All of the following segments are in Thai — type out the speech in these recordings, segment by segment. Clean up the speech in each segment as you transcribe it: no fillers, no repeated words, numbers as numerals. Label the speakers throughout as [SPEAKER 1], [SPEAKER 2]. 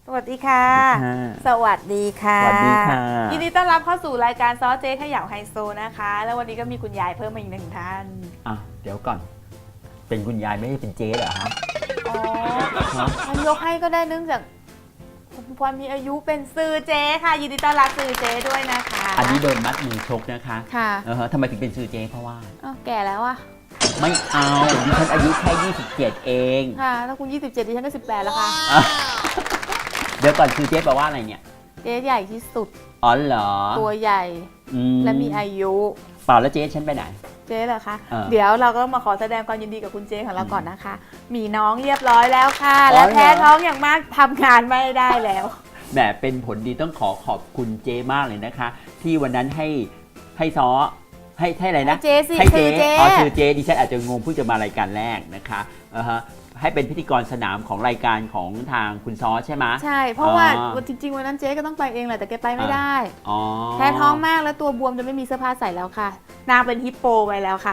[SPEAKER 1] วัสดีค่ะ สวัสดีค่ะ
[SPEAKER 2] สวัสดีค่ะ
[SPEAKER 1] ยินดีต้อนรับเข้าสู่รายการซอเจ๊ขย่าไฮโซนะคะ แล้ววันนี้ก็มีคุณยายเพิ่มมาอีกหนึ่งท่าน
[SPEAKER 2] อ่ะเดี๋ยวก่อน เป็นคุณยายไม่ใช่เป็นเจ๊เหรอฮะ
[SPEAKER 1] อ๋อมันยกให้ก็ได้เนื่องจากคุณพรมีอายุเป็นซื้อเจ๊ค่ะ ยินดีต้อนรับซื้อเจ๊ด้วยนะคะ
[SPEAKER 2] อันนี้โดนมัดมือชกนะคะ
[SPEAKER 1] ค่ะ
[SPEAKER 2] ทำไมถึงเป็นชื่อเจ๊เพราะว่า
[SPEAKER 1] อ้าวแก่แล้วอะ
[SPEAKER 2] ไม่เอาดิฉันอายุแค่27เอง
[SPEAKER 1] ค่ะถ้าคุณ27ดิฉันก็18แล้วค่ะ
[SPEAKER 2] อ่ะเดี๋ยวก่อนชื่อเจ๊แปลว่าอะไรเนี่ย
[SPEAKER 1] เจ๊ใหญ่ที่สุด
[SPEAKER 2] อ๋อเหรอ
[SPEAKER 1] ตัวใหญ่ และมีอายุ
[SPEAKER 2] เปล่าแล้วเจ๊ฉันไปไหน
[SPEAKER 1] เจ๊เหรอคะ
[SPEAKER 2] เออ
[SPEAKER 1] เดี๋ยวเราก็มาขอแสดงความยินดีกับคุณเจ๊ของเราก่อนนะคะ มีน้องเรียบร้อยแล้วค่ะ
[SPEAKER 2] อ๋อ
[SPEAKER 1] และแพ้
[SPEAKER 2] เหรอ
[SPEAKER 1] ท้องอย่างมากทำงานไม่ได้แล้ว
[SPEAKER 2] แหมเป็นผลดีต้องขอบคุณเจ๊มากเลยนะคะ ที่วันนั้นให้ซ้อให้อะไรนะ
[SPEAKER 1] ให้เจ๊สิ
[SPEAKER 2] ให้เจ๊
[SPEAKER 1] คือเจ๊
[SPEAKER 2] อ๋อคือเจ๊ดิฉันอาจจะงงเพิ่งจะมารายการแรกนะคะให้เป็นพิธีกรสนามของรายการของทางคุณซ้อใช่ไหม
[SPEAKER 1] ใช่ เพราะว่า
[SPEAKER 2] อ๋อ
[SPEAKER 1] จริงๆวันนั้นเจ๊ก็ต้องไปเองแหละแต่แกไปไม่ได้
[SPEAKER 2] อ๋อ
[SPEAKER 1] แพ้ท้องมากแล้วตัวบวมจนไม่มีเสื้อผ้าใส่แล้วค่ะ นางเป็นฮิปโปไปแล้วค่ะ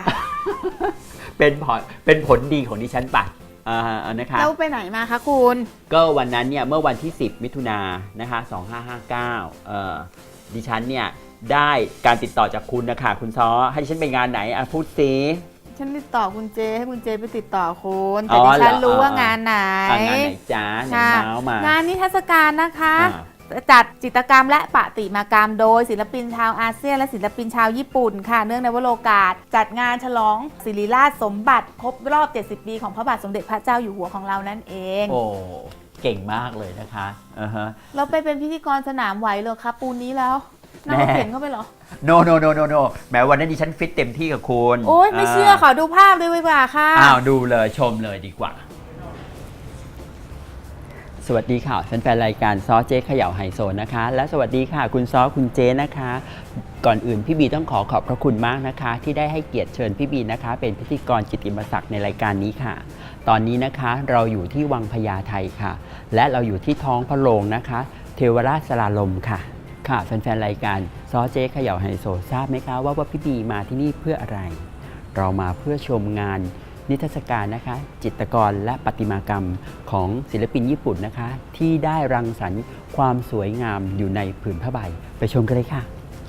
[SPEAKER 2] เป็นผลดีของดิฉันไปนะคะ
[SPEAKER 1] แล้วไปไหนมาคะคุณ
[SPEAKER 2] ก็วันนั้นเนี่ยเมื่อวันที่ 10 มิถุนายนนะคะ2559ดิฉันเนี่ยได้การติดต่อจากคุณนะคะคุณซ้อให้ดิฉันไปงานไหนพูดซิ
[SPEAKER 1] ฉันติดต่อคุณเจให้คุณเจไปติดต่อคุณ
[SPEAKER 2] อ๋
[SPEAKER 1] แต่
[SPEAKER 2] อ
[SPEAKER 1] ดิฉัน
[SPEAKER 2] เหรอ
[SPEAKER 1] รู้ว่างานไหน
[SPEAKER 2] งานไหนจ้าไหน
[SPEAKER 1] ค่ะ
[SPEAKER 2] เมาส์มาง
[SPEAKER 1] านนิทรรศการนะคะ
[SPEAKER 2] อ่า
[SPEAKER 1] จัดจิตรกรรมและประติมากรรมโดยศิลปินชาวอาเซียนและศิลปินชาวญี่ปุ่นค่ะ เนื่องในวโรกาส จัดงานฉลองศิริราชสมบัติครบรอบ 70 ปีของพระบาทสมเด็จพระเจ้าอยู่หัวของเรานั่นเอง
[SPEAKER 2] โอ้เก่งมากเลยนะคะ
[SPEAKER 1] เราไปเป็นพิธีกรสนามไหวเลยครับปูนนี้แล้วนั่งรถเข็นเข้าไปเหรอ
[SPEAKER 2] โนแหมวันนั้นดิฉันฟิตเต็มที่กับคุณ
[SPEAKER 1] โอ๊ยไม่เชื่อขอดูภาพเลยดีกว่าค่ะ
[SPEAKER 2] อ้าวดูเลยชมเลยดีกว่า สวัสดีค่ะแฟนๆรายการซอเจ๊เขย่าไฮโซนะคะ และสวัสดีค่ะคุณซอคุณเจ๊นะคะ ก่อนอื่นพี่บีต้องขอบพระคุณมากนะคะ ที่ได้ให้เกียรติเชิญพี่บีนะคะ เป็นพิธีกรกิตติมศักดิ์ในรายการนี้ค่ะ ตอนนี้นะคะเราอยู่ที่วังพญาไทค่ะ และเราอยู่ที่ท้องพระโรงนะคะ เทวราชสลาลมค่ะค่ะแฟนๆรายการซอเจ๊เขย่าไฮโซทราบไหมคะว่าพี่บีมาที่นี่เพื่ออะไร เรามาเพื่อชมงานนิทรรศการนะคะ จิตรกรและประติมากรรมของศิลปินญี่ปุ่นนะคะ ที่ได้รังสรรค์ความสวยงามอยู่ในผืนผ้าใบไปชมกันเลยค่ะ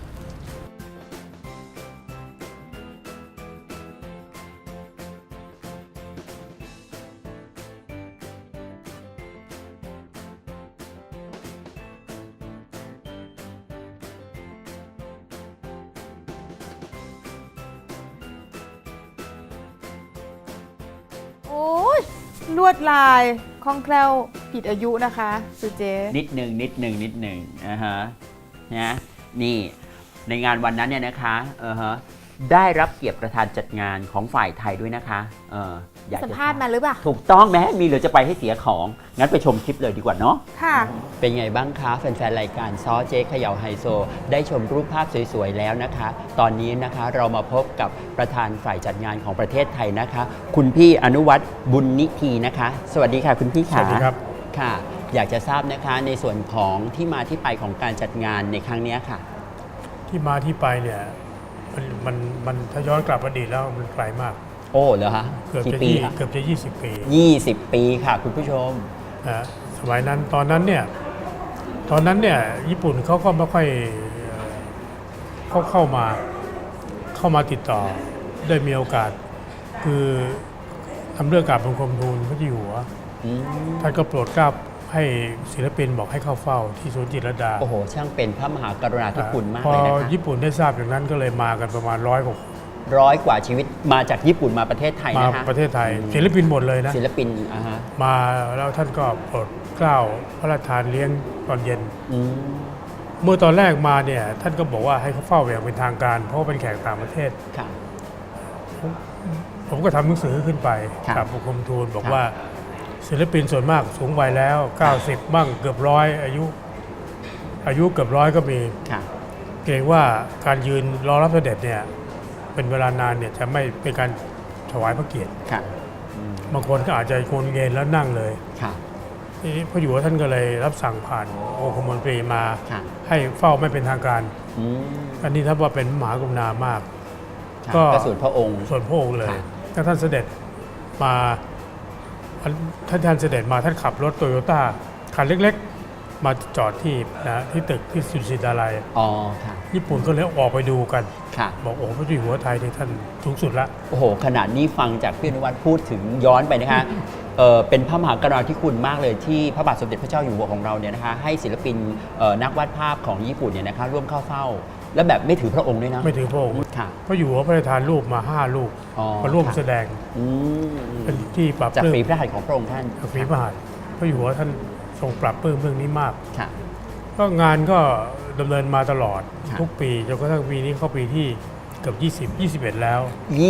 [SPEAKER 1] โอ้ยลวดลายคล่องแคล่วผิดอายุนะคะสุเจ
[SPEAKER 2] นิดหนึ่งนะนี่ในงานวันนั้นเนี่ยนะคะได้รับเกียรติประธานจัดงานของฝ่ายไทยด้วยนะคะอยาก
[SPEAKER 1] สัม
[SPEAKER 2] จะ
[SPEAKER 1] ภาษณ์มาหรือเปล่า
[SPEAKER 2] ถูกต้องแม้มีเหรือจะไปให้เสียของงั้นไปชมคลิปเลยดีกว่าเนาะ
[SPEAKER 1] ค่ะ
[SPEAKER 2] เป็นไงบ้างคะแฟนๆรายการซอเจ๊เขย่าไฮโซ ได้ชมรูปภาพสวยๆแล้วนะคะ ตอนนี้นะคะเรามาพบกับประธานฝ่ายจัดงานของประเทศไทยนะคะ คุณพี่อนุวัฒน์บุญนิธีนะคะ สวัสดีค่ะคุณพี่
[SPEAKER 3] ส
[SPEAKER 2] ค่ะ
[SPEAKER 3] วัสดีครับ
[SPEAKER 2] ค่ะ อยากจะทราบนะคะในส่วนของที่มาที่ไปของการจัดงานในครั้งนี้ค่ะ
[SPEAKER 3] ที่มาที่ไปเนี่ยมันถ้าย้อนกลับอดีตแล้วมันไกลมาก
[SPEAKER 2] โอ้เหรอคะ
[SPEAKER 3] เกือบ
[SPEAKER 2] กี่
[SPEAKER 3] จะ
[SPEAKER 2] ปีคะ
[SPEAKER 3] เกือบจะ20 ปี
[SPEAKER 2] 20 ปีค่ะคุณผู้ชม
[SPEAKER 3] นะสมัยนั้นตอนนั้นเนี่ยญี่ปุ่นเขาก็ไม่ค่อยเขาเข้ามาติดต่อได้มีโอกาส คือทำเรื่องกราบบังคมทูลพระเจ้าอยู่หัว
[SPEAKER 2] อืม
[SPEAKER 3] ท่านก็โปรดเกล้าให้ศิลปินบอกให้เข้าเฝ้าที่สวนจิตรลดา
[SPEAKER 2] โอ้โห ช่างเป็นพระมหากรุณาธิคุณมาก
[SPEAKER 3] พอ
[SPEAKER 2] เลยนะคะ
[SPEAKER 3] ญี่ปุ่นได้ทราบอย่างนั้นก็เลยมากันประมาณ100 กว่า
[SPEAKER 2] 100 กว่าชีวิตมาจากญี่ปุ่นมาประเทศไทย
[SPEAKER 3] มา
[SPEAKER 2] นะคะ
[SPEAKER 3] ประเทศไทยศิลปินหมดเลยนะ
[SPEAKER 2] ศิลปินฮะ
[SPEAKER 3] มาแล้วท่านก็โปรดเกล้าพระราชทานเลี้ยงตอนเย็น
[SPEAKER 2] อืม
[SPEAKER 3] เมื่อตอนแรกมาเนี่ยท่านก็บอกว่าให้เขาเฝ้าอย่างเป็นทางการ เพราะว่าเป็นแขกต่างประเทศ
[SPEAKER 2] ค่ะ
[SPEAKER 3] ผมก็ทำหนังสือขึ้นไป
[SPEAKER 2] ครับ
[SPEAKER 3] กับบังคมทูลบอก
[SPEAKER 2] ครับ
[SPEAKER 3] ว่าศิลปินส่วนมากสูงวัยแล้ว 90 บ้างเกือบร้อยอายุเกือบร้อยก็มี
[SPEAKER 2] ค่ะ
[SPEAKER 3] เกรงว่าการยืนรอรับเสด็จเนี่ยเป็นเวลานานเนี่ยจะไม่เป็นการถวายพระเกียรติ
[SPEAKER 2] ค่ะอืม
[SPEAKER 3] บางคนก็อาจจะโกนเงินแล้วนั่งเลย
[SPEAKER 2] ค่ะ
[SPEAKER 3] ทีนี้พระอยู่หัวท่านก็เลยรับสั่งผ่านองคมนตรีมา
[SPEAKER 2] ค่ะ
[SPEAKER 3] ให้เฝ้าไม่เป็นทางการ
[SPEAKER 2] อืม
[SPEAKER 3] อันนี้ถ้าว่าเป็นมหากรุณามาก
[SPEAKER 2] ค่ะ
[SPEAKER 3] ก็
[SPEAKER 2] ก็สูตรพระองค์
[SPEAKER 3] ส่วนพระองค์เลย
[SPEAKER 2] ค่ะ
[SPEAKER 3] ถ้าท่านเสด็จมาท่านเสด็จมาท่านขับรถโตโยต้าคันเล็กมาจอดที่ที่ตึกที่สุสิดาลัย
[SPEAKER 2] อ๋อค่ะ
[SPEAKER 3] ญี่ปุ่นก็เลยออกไปดูกัน
[SPEAKER 2] ค่ะ
[SPEAKER 3] บอกโอ้พระเจ้าอยู่หัวไทยในท่านสูงสุดละ
[SPEAKER 2] โอ้โหขนาดนี้ฟังจากพี่อนุวัฒน์พูดถึงย้อนไปนะคะเป็นพระมหากรุณาธิคุณมากเลยที่พระบาทสมเด็จพระเจ้าอยู่หัวของเราเนี่ยนะคะให้ศิลปินนักวาดภาพของญี่ปุ่นเนี่ยนะคะร่วมเข้าเฝ้า และแบบไม่ถือพระองค์ด้วยนะ
[SPEAKER 3] ไม่ถือพระองค์
[SPEAKER 2] ค่ะ
[SPEAKER 3] พระอยู่หัวพระราชทานรูปมา5 รูป
[SPEAKER 2] อ๋อ
[SPEAKER 3] มาร่วม
[SPEAKER 2] ค่ะ
[SPEAKER 3] แสดง
[SPEAKER 2] อืม
[SPEAKER 3] เป็นที่ปรับ
[SPEAKER 2] จาก
[SPEAKER 3] ปลื้ม
[SPEAKER 2] ฝีพระหัตถ์ของพระองค์ท่าน
[SPEAKER 3] จากฝีพระหัตถ์พระอยู่หัวท่านทรงปรับปลื้มเรื่องนี้มาก
[SPEAKER 2] ค่ะ
[SPEAKER 3] ก็งานก็ดำเนินมาตลอด
[SPEAKER 2] ครับ
[SPEAKER 3] ทุกปีจนกระทั่งปีนี้เข้าปีที่เกือบ21 แล้ว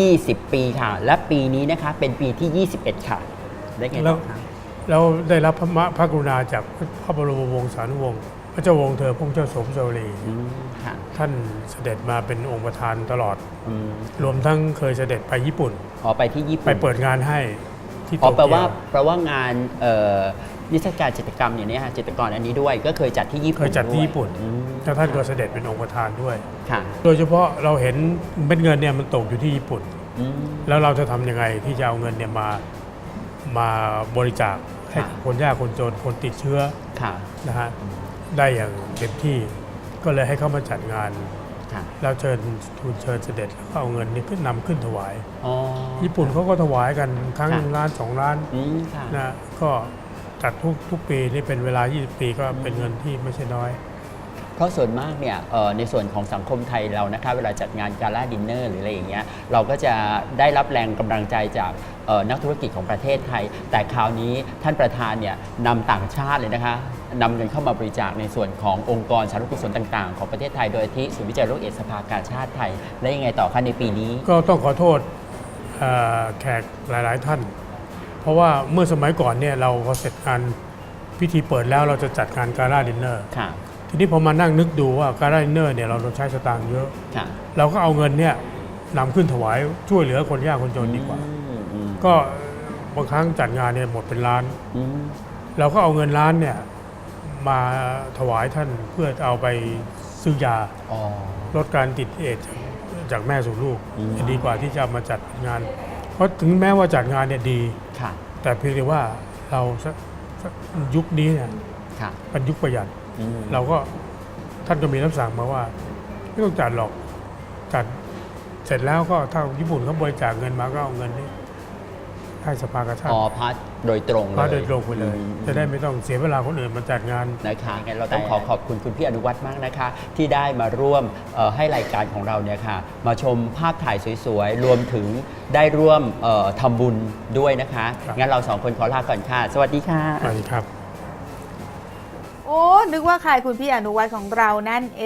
[SPEAKER 2] 20 ปีค่ะ และปีนี้นะคะเป็นปีที่ 21 ค่ะ ได้ไง
[SPEAKER 3] แล้
[SPEAKER 2] ต่
[SPEAKER 3] ว
[SPEAKER 2] อคะ
[SPEAKER 3] แล้วได้รับพระกรุณาจากพระบรมวงศานุวงศ์พระเจ้าวงศ์เธอพระองค์เจ้าสมสวรี
[SPEAKER 2] อืมค่ะ
[SPEAKER 3] ท่านเสด็จมาเป็นองค์ประธานตลอด
[SPEAKER 2] อืม
[SPEAKER 3] รวมทั้งเคยเสด็จไปญี่ปุ่น
[SPEAKER 2] อ๋อไปที่ญี่ปุ่น
[SPEAKER 3] ไปเปิดงานให้ที่โต
[SPEAKER 2] อ๋อแปล
[SPEAKER 3] เกี
[SPEAKER 2] ว่า
[SPEAKER 3] ยว
[SPEAKER 2] แปลว่างานนิทรรศการจิตรกรรมอย่างนี้ค่ะจิตรกรอันนี้ด้วยก็เคยจัดที่ญี่ปุ่น
[SPEAKER 3] เคยจัดที่
[SPEAKER 2] ว
[SPEAKER 3] ญี่ปุ่น
[SPEAKER 2] อืม
[SPEAKER 3] แล้วท่านก็เสด็จเป็นองค์ประธานด้วย
[SPEAKER 2] ค่ะ
[SPEAKER 3] โดยเฉพาะเราเห็นเม็ดเงินเนี่ยมันตกอยู่ที่ญี่ปุ่น
[SPEAKER 2] อืม
[SPEAKER 3] แล้วเราจะทำยังไงที่จะเอาเงินเนี่ยมาบริจาคให้กับคนยากคนจนคนติดเชื้อ
[SPEAKER 2] ค่ะ
[SPEAKER 3] นะฮะได้อย่างเต็มที่ก็เลยให้เขามาจัดงาน
[SPEAKER 2] ค่ะ
[SPEAKER 3] แล้วทูลเชิญเสด็จแล้วก็เอาเงินนี้ขึ้นนำขึ้นถวาย
[SPEAKER 2] อ๋อ
[SPEAKER 3] ญี่ปุ่นเขาก็ถวายกันครั้ง
[SPEAKER 2] ค่ะ
[SPEAKER 3] ล้าน2 ล้าน
[SPEAKER 2] อืมค่ะ
[SPEAKER 3] นะก็จัดทุกปีนี่เป็นเวลา20 ปีก็เป็นเงินที่ไม่ใช่น้อย
[SPEAKER 2] เพราะส่วนมากเนี่ยในส่วนของสังคมไทยเรานะคะเวลาจัดงานกาล่าดินเนอร์หรืออะไรอย่างเงี้ยเราก็จะได้รับแรงกำลังใจจากนักธุรกิจของประเทศไทย แต่คราวนี้ท่านประธานเนี่ยนำต่างชาติเลยนะคะนำเงินเข้ามาบริจาคในส่วนขององค์กรสาธารณกุศลต่างๆ ของประเทศไทยโดยที่ศูนย์วิจัยโรคเอดส์สภากาชาติไทย และยังไงต่อคะในปีนี้
[SPEAKER 3] ก็ต้องขอโทษแขกหลายๆท่าน เพราะว่าเมื่อสมัยก่อนเนี่ยเราพอเสร็จงานพิธีเปิดแล้วเราจะจัดงานกาล่าดินเนอร์
[SPEAKER 2] ค่ะ
[SPEAKER 3] ทีนี้พอมานั่งนึกดูว่าการดินเนอร์เนี่ยเราใช้สตางค์เยอะ
[SPEAKER 2] ค่ะ
[SPEAKER 3] เราก็เอาเงินเนี่ยนำขึ้นถวายช่วยเหลือคนยากคนจนดีกว่า
[SPEAKER 2] อืม
[SPEAKER 3] ก็บางครั้งจัดงานเนี่ยหมดเป็นล้าน
[SPEAKER 2] อืม
[SPEAKER 3] เราก็เอาเงินล้านเนี่ยมาถวายท่านเพื่อเอาไปซื้อยา
[SPEAKER 2] อ๋อ
[SPEAKER 3] ลดการติดเอดส์จากแม่สู่ลูก
[SPEAKER 2] อืม
[SPEAKER 3] จะดีกว่าที่จะมาจัดงาน เพราะถึงแม้ว่าจัดงานเนี่ยดี
[SPEAKER 2] ค่ะ
[SPEAKER 3] แต่เพียงแต่ว่าเรายุคนี้เนี่ย
[SPEAKER 2] ค่ะ
[SPEAKER 3] เป็นยุคประหยัด
[SPEAKER 2] อืม
[SPEAKER 3] เราก็ท่านก็มีรับสั่งมาว่าไม่ต้องจัดหรอกจัดเสร็จแล้วก็ถ้าญี่ปุ่นเขาบริจาคเงินมาก็เอาเงินนี้ให้สภากาชาติ
[SPEAKER 2] อ๋อพัดโดยตรงเลย
[SPEAKER 3] มาโดยตรงไปเลย
[SPEAKER 2] อืม
[SPEAKER 3] จะได้ไม่ต้องเสียเวลาคนอื่นมาจัดงาน
[SPEAKER 2] นะคะงั้นเราต้องขอบคุณคุณพี่อนุวัฒน์มากนะคะ ที่ได้มาร่วมให้รายการของเราเนี่ยค่ะมาชมภาพถ่ายสวยๆ รวมถึงได้ร่วมทำบุญด้วยนะคะ
[SPEAKER 3] ครับ
[SPEAKER 2] งั้นเราสองคนขอลาก่อนค่ะ สวัสดีค่ะ
[SPEAKER 3] สวัสดีครับ
[SPEAKER 1] โอ้นึกว่าใครคุณพี่อนุวัฒน์ของเรานั่นเอง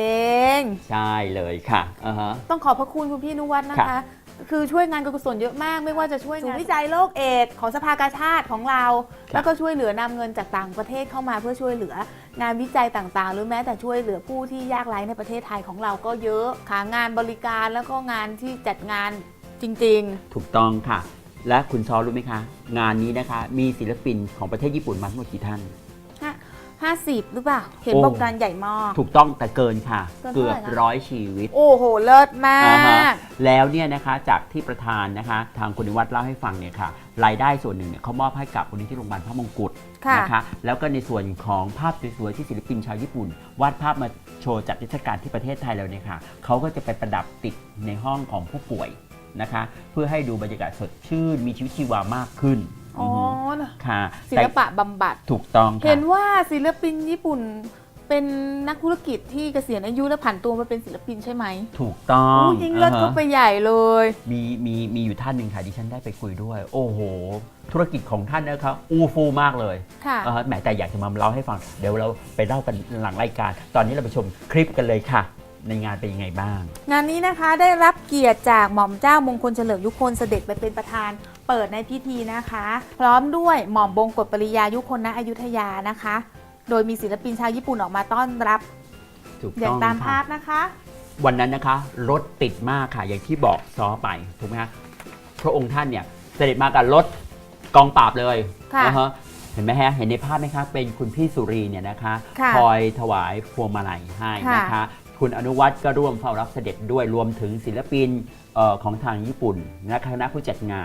[SPEAKER 2] ใช่เลยค่ะอ่าฮะ
[SPEAKER 1] ต้องขอบพระคุณคุณพี่อนุวัฒน์นะ
[SPEAKER 2] ครั
[SPEAKER 1] คะ
[SPEAKER 2] บ
[SPEAKER 1] คือช่วยงานการกุศลเยอะมาก ไม่ว่าจะช่วยงานวิจัยโรคเอดส์ของสภากาชาติของเรา แล้วก็ช่วยเหลือนำเงินจากต่างประเทศเข้ามาเพื่อช่วยเหลืองานวิจัยต่างๆ หรือแม้แต่ช่วยเหลือผู้ที่ยากไร้ในประเทศไทยของเราก็เยอะค่ะงานบริการแล้วก็งานที่จัดงานจริง
[SPEAKER 2] ถูกต้องค่ะ และคุณซอรู้ไหมคะ งานนี้นะคะ มีศิลปินของประเทศญี่ปุ่นมาทั้งหมดกี่ท่าน
[SPEAKER 1] ๆ 50 หรือเปล่า เห็น
[SPEAKER 2] โอ้
[SPEAKER 1] บอกงานใหญ่มาก
[SPEAKER 2] ถูกต้องแต่เกินค่ะ
[SPEAKER 1] เกิน
[SPEAKER 2] เกือบ
[SPEAKER 1] เท่าไหร่คะ
[SPEAKER 2] 100 ชีวิต
[SPEAKER 1] โอ้โห เลิศมา
[SPEAKER 2] อ่าฮะ
[SPEAKER 1] ก
[SPEAKER 2] แล้วเนี่ยนะคะจากที่ประธานนะคะทางคุณนิวัฒน์เล่าให้ฟังเนี่ยค่ะรายได้ส่วนหนึ่งเนี่ยเขามอบให้กับมูลนิธิโรงพยาบาลพระมงกุฎ
[SPEAKER 1] ค่ะ
[SPEAKER 2] นะคะแล้วก็ในส่วนของภาพสวยๆที่ศิลปินชาวญี่ปุ่น วาดภาพมาโชว์จัดนิทรรศการที่ประเทศไทยเราเนี่ยค่ะเขาก็จะไปประดับติดในห้องของผู้ป่วยนะคะเพื่อให้ดูบรรยากาศสดชื่นมีชีวิตชีวามากขึ้น
[SPEAKER 1] อ๋อ
[SPEAKER 2] ค่ะ
[SPEAKER 1] ศิลปะบำบัด
[SPEAKER 2] ถูกต้อง
[SPEAKER 1] เห็
[SPEAKER 2] ค่ะ
[SPEAKER 1] นว่าศิลปินญี่ปุ่นเป็นนักธุรกิจที่เกษียณอายุและผันตัวมาเป็นศิลปินใช่ไหม
[SPEAKER 2] ถูกต้อง
[SPEAKER 1] ยิ่งเลิศก็ไปใหญ่เลย
[SPEAKER 2] มีอยู่ท่านหนึ่งค่ะที่ฉันได้ไปคุยด้วย โอ้โห ธุรกิจของท่านนะครับอู้ฟู่มากเลย
[SPEAKER 1] ค่ะ
[SPEAKER 2] แหมแต่อยากจะมาเล่าให้ฟัง เดี๋ยวเราไปเล่ากันหลังรายการ ตอนนี้เราไปชมคลิปกันเลยค่ะ ในงานเป็นยังไงบ้าง
[SPEAKER 1] งานนี้นะคะได้รับเกียรติจากหม่อมเจ้ามงคลเฉลิมยุคนเสด็จไปเป็นประธานเปิดในพิธีนะคะ พร้อมด้วยหม่อมบงกฎปริยายุคนณอยุธยานะคะ โดยมีศิลปินชาวญี่ปุ่นออกมาต้อนรับ
[SPEAKER 2] ถูก
[SPEAKER 1] อย่า
[SPEAKER 2] ต้
[SPEAKER 1] ง
[SPEAKER 2] อง
[SPEAKER 1] ตาม
[SPEAKER 2] ค่ะ
[SPEAKER 1] ภาพนะคะ
[SPEAKER 2] วันนั้นนะคะ รถติดมากค่ะ อย่างที่บอกซ้อไป ถูกไหมคะพระองค์ท่านเนี่ยเสด็จมากับรถกองปราบเลย
[SPEAKER 1] ค่ะ
[SPEAKER 2] ฮะเห็นไหมฮะ เห็นในภาพไหมคะ เป็นคุณพี่สุรีเนี่ยนะคะ
[SPEAKER 1] ค่ะ
[SPEAKER 2] คอยถวายพวงมาลัยให้นะคะ คุณอนุวัฒน์ก็ร่วมเฝ้ารับเสด็จด้วยรวมถึงศิลปินของทางญี่ปุ่นและคณะผู้จัดงาน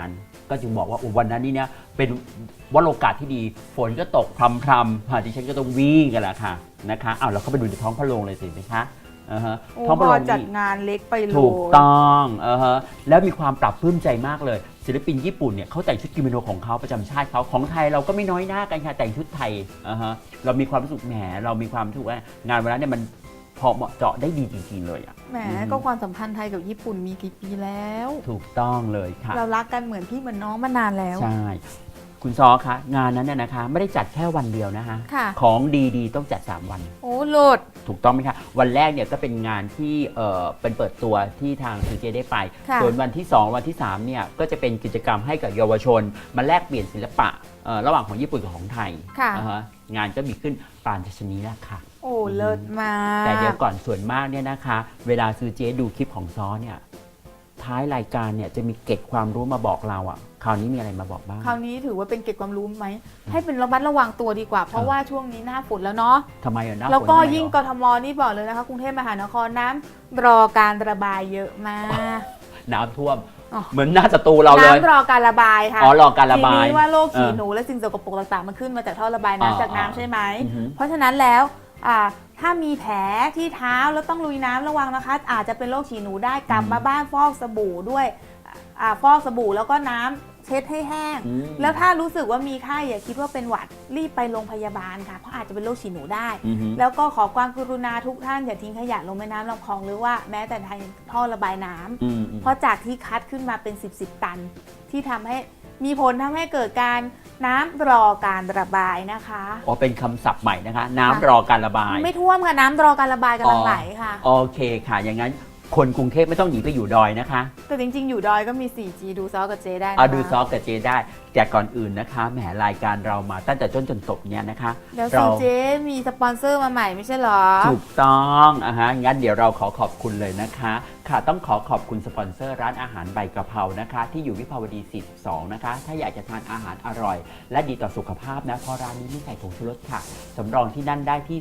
[SPEAKER 2] ก็จึงบอกว่าวันนั้นนี่เนี่ยเป็นวโรกาสที่ดีฝนก็ตกพรำดิฉันก็ต้องวิ่งกันแหละค่ะนะคะเอาเราเข้าไปดูในท้องพระโรงเลยสิไหมคะท้องพระโรง
[SPEAKER 1] จัดงานเล็กไปเลย
[SPEAKER 2] ถูกต้องแล้วมีความปรับปลื้มใจมากเลยศิลปินญี่ปุ่นเนี่ยเขาแต่งชุดกิโมโนของเขาประจำชาติเขาของไทยเราก็ไม่น้อยหน้ากันค่ะแต่งชุดไทยเรามีความรู้สึกแหมเรามีความรู้สึกว่างานวันนั้นเนี่ยมันพอเหมาะเจาะได้ดีจริงๆเลยอ่ะ
[SPEAKER 1] แหมก็ความสัมพันธ์ไทยกับญี่ปุ่นมีกี่ปีแล้ว
[SPEAKER 2] ถูกต้องเลยค่ะ
[SPEAKER 1] เรารักกันเหมือนพี่เหมือนน้องมานานแล้ว
[SPEAKER 2] ใช่คุณซอคะงานนั้นเนี่ยนะคะไม่ได้จัดแค่วันเดียวนะคะของดีๆต้องจัด3วัน
[SPEAKER 1] โอ้โลด
[SPEAKER 2] ถูกต้องไหมคะวันแรกเนี่ยก็เป็นงานที่เป็นเปิดตัวที่ทางซีเจได้ไปส่วนวันที่2วันที่3เนี่ยก็จะเป็นกิจกรรมให้กับเยาวชนมาแลกเปลี่ยนศิลปะระหว่างของญี่ปุ่นกับของไทยงานก็มีขึ้นปานชนีแล้วค่ะ
[SPEAKER 1] โอ้เลิศมาก
[SPEAKER 2] แต่เดี๋ยวก่อนส่วนมากเนี่ยนะคะเวลาซีเจดูคลิปของซอเนี่ยท้ายรายการเนี่ยจะมีเกร็ดความรู้มาบอกเราอ่ะคราวนี้มีอะไรมาบอกบ้าง
[SPEAKER 1] คราวนี้ถือว่าเป็นเกร็ดความรู้ไหมให้เป็นระมัดระวังตัวดีกว่าเพราะว่าช่วงนี้หน้าฝนแล้วเนาะ
[SPEAKER 2] ทำไมอ่ะหน้าฝน
[SPEAKER 1] แล้วก็ยิ่งกทมนี่บอกเลยนะคะกรุงเทพมหานครน้ำรอการระบายเยอะมาก
[SPEAKER 2] น้ำท่วมเหมือนหน้าสตูเราเลย
[SPEAKER 1] น้ำรอการระบายค่ะ
[SPEAKER 2] รอการระบาย
[SPEAKER 1] ทีนี้ว่าโรคฉี่หนูและสิ่งสกปรกต่างๆมันขึ้นมาจากท่อระบายน้ำจากน้ำใช่ไหมเพราะฉะนั้นแล้วถ้ามีแผลที่เท้าแล้วต้องลุยน้ำระวังนะคะอาจจะเป็นโรคฉี่หนูได้กลับมาบ้านฟอกสบู่ด้วยฟอกสบู่แล้วก็น้ำเช็ดให้แห้งแล้วถ้ารู้สึกว่ามีไข้อย่าคิดว่าเป็นหวัดรีบไปโรงพยาบาลค่ะเพราะอาจจะเป็นโรคฉี่หนูได้แล้วก็ขอความกรุณาทุกท่านอย่าทิ้งขยะลงแม่น้ำลำคลองหรือว่าแม้แต่ทางท่อระบายน้ำเพราะจากที่คัดขึ้นมาเป็น10ตันที่ทำให้มีผลทำให้เกิดการน้ำรอการระบายนะคะ
[SPEAKER 2] อ๋อเป็นคำศัพท์ใหม่นะคะน้ำรอการระบาย
[SPEAKER 1] ไม่ท่วมค่ะน้ำรอการระบายกำลังไหลค่ะ
[SPEAKER 2] โอเคค่ะอย่างนั้นคนกรุงเทพไม่ต้องหนีไปอยู่ดอยนะคะ
[SPEAKER 1] แต่จริงๆอยู่ดอยก็มี 4G ดูซอกับเจได้
[SPEAKER 2] ดูซอกับเจได้แต่ก่อนอื่นนะคะแหมรายการเรามาตั้งแต่ต้นจนจบเนี่ยนะคะ
[SPEAKER 1] แล้วเจมีสปอนเซอร์มาใหม่ไม่ใช่หรอ
[SPEAKER 2] ถูกต้องงั้นเดี๋ยวเราขอบคุณเลยนะคะค่ะต้องขอบคุณสปอนเซอร์ร้านอาหารใบกะเพรานะคะที่อยู่วิภาวดี42นะคะถ้าอยากจะทานอาหารอร่อยและดีต่อสุขภาพนะเพราะร้านนี้ไม่ใส่ผงชูรสค่ะสำรองที่นั่นได้ที่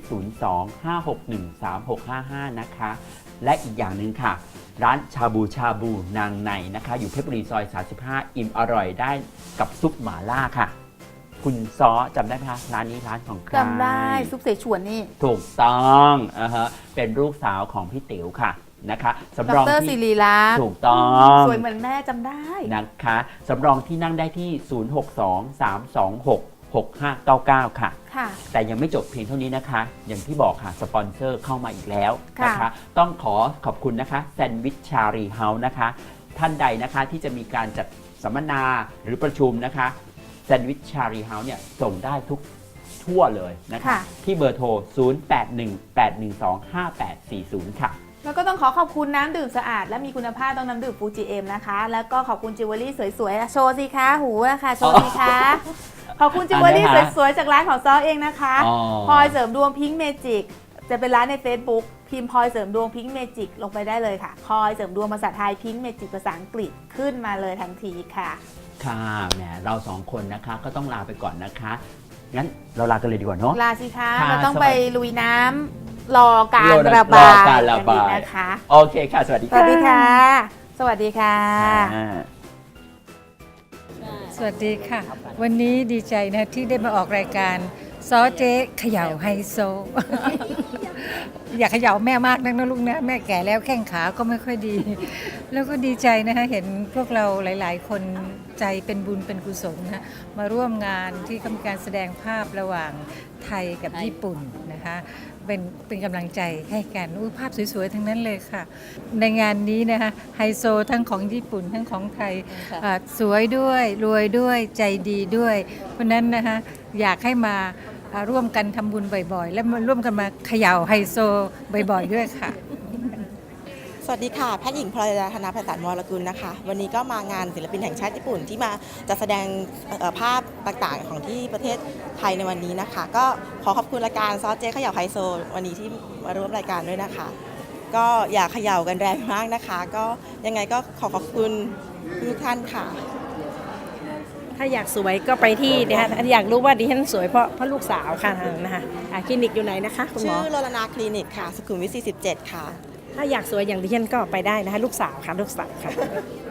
[SPEAKER 2] 02-561-3655นะคะและอีกอย่างหนึ่งค่ะร้านชาบูนางในนะคะอยู่เพชรบุรีซอย35อิ่มอร่อยได้กับซุปหม่าล่าค่ะคุณซอจำได้ไหมคะร้านนี้ร้านของใคร
[SPEAKER 1] จำได้ซุปเสฉวนนี่
[SPEAKER 2] ถูกต้องเป็นลูกสาวของพี่ติ๋วค่ะนะคะสำรอง
[SPEAKER 1] ที่ศิริรักษ์
[SPEAKER 2] ถูกต้อง
[SPEAKER 1] สวยเหมือนแม่จำได้
[SPEAKER 2] นะคะสำรองที่นั่งได้ที่0623266599ค่ะแต่ยังไม่จบเพียงเท่านี้นะคะอย่างที่บอกค่ะสปอนเซอร์เข้ามาอีกแล้วนะคะต้องขอบคุณนะคะแซนด์วิชชารีเฮาส์นะคะท่านใดนะคะที่จะมีการจัดสัมมนาหรือประชุมนะคะแซนด์วิชชารีเฮาส์เนี่ยส่งได้ทุกทั่วเลยนะคะที่เบอร์โทร0818125840ค่ะ
[SPEAKER 1] แล้วก็ต้องขอบคุณน้ำดื่มสะอาดและมีคุณภาพต้องน้ำดื่มฟูจิเอ็มนะคะแล้วก็ขอบคุณจิวเวลรี่สวยๆโชว์สิคะหูนะคะโชว์สิคะขอบคุณจิวเวลรี่สวยๆจากร้านของซอเองนะคะพลอยเสริมดวงพิงค์เมจิกจะเป็นร้านใน Facebook พิมพ์พลอยเสริมดวงพิงค์เมจิกลงไปได้เลยค่ะพลอยเสริมดวงภาษาไทยพิงค์เมจิกภาษาอังกฤษขึ้นมาเลยทันทีค่ะ
[SPEAKER 2] ค่ะแหมเรา2คนนะคะก็ต้องลาไปก่อนนะคะงั้นเราลากันเลยดีกว่าเนาะ
[SPEAKER 1] ลาสิคะเราต้องไปลุยน้ำรอการระบายกันนะคะ
[SPEAKER 2] โอเคค่ะสวัสดีค่ะ
[SPEAKER 1] สวัสดีค่ะสวัสดีค่ะ
[SPEAKER 4] สวัสดีค่ะวันนี้ดีใจนะที่ได้มาออกรายการซอเจ๊เขย่าไฮโซ อยากเขย่าแม่มากนักนะลูกนะแม่แก่แล้วแข้งขาก็ไม่ค่อยดี แล้วก็ดีใจนะคะเห็นพวกเราหลายๆคนใจเป็นบุญเป็นกุศลนะมาร่วมงานที่มีการแสดงภาพระหว่างไทยกับญี่ปุ่นนะคะเป็นกำลังใจให้กันภาพสวยๆทั้งนั้นเลยค่ะในงานนี้นะคะไฮโซทั้งของญี่ปุ่นทั้งของไทยสวยด้วยรวยด้วยใจดีด้วยเพราะนั้นนะคะอยากให้มาร่วมกันทำบุญบ่อยๆและมาร่วมกันมาเขย่าไฮโซบ่อยๆด้วยค่ะ
[SPEAKER 5] สวัสดีค่ะแพทย์หญิงพลอยธนาภัยศาลวรกุลนะคะวันนี้ก็มางานศิลปินแห่งชาติญี่ปุ่นที่มาจะแสดงภาพต่างๆของที่ประเทศไทยในวันนี้นะคะก็ขอบคุณรายการซอสเจ๊เขย่าไฮโซวันนี้ที่มาร่วมรายการด้วยนะคะก็อย่าเขย่ากันแรงมากนะคะก็ยังไงก็ขอบคุณทุกท่านค่ะ
[SPEAKER 6] ถ้าอยากสวยก็ไปที่นะคะอยากรู้ว่าดิฉันสวยเพราะลูกสาวค่ะนะคะคลินิกอยู่ไหนนะคะคุณหมอ
[SPEAKER 5] ชื่อโรลนาคลินิกค่ะสุขุมวิท47ค่ะ
[SPEAKER 6] ถ้าอยากสวยอย่างดิฉันก็ไปได้นะคะลูกสาวค่ะ